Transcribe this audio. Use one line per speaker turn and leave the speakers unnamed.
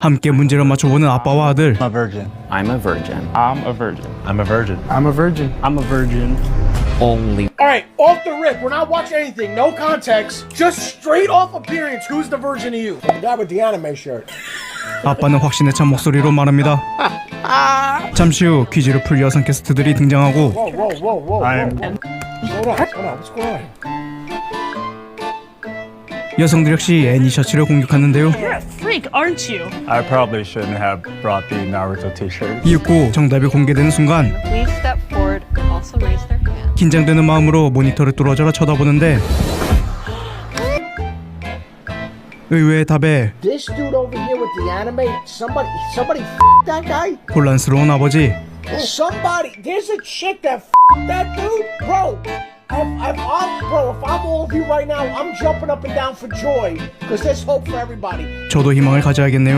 함께 문제를 맞춰보는 아빠와 아들.
I'm a virgin.
I'm a virgin.
I'm a virgin.
I'm a virgin.
I'm a virgin.
I'm a virgin. Only.
All right, off the rip. We're not watching anything. No context. Just straight off appearance. Who's the virgin to you? The guy with the anime shirt.
아빠는 확신에 찬 목소리로 말합니다. 잠시 후 퀴즈를 풀 여성 게스트들이 등장하고
Whoa, whoa, whoa, whoa.
I'm.
Hold on, hold on. What's going on?
여성들 역시 애니 셔츠를 공격하는데요.
You're a freak, aren't you?
I probably shouldn't have brought the Naruto T-shirt.
이윽고 정답이 공개되는 순간
Please step forward and also raise their hand.
긴장되는 마음으로 모니터를 뚫어져라 쳐다보는데 의외의 답에
This dude over here with the anime. Somebody that guy.
혼란스러운 아버지.
Somebody. There's a chick that that dude, bro. If I'm all of you right now, I'm jumping up and down for joy because there's hope for everybody.
저도 희망을 가져야겠네요.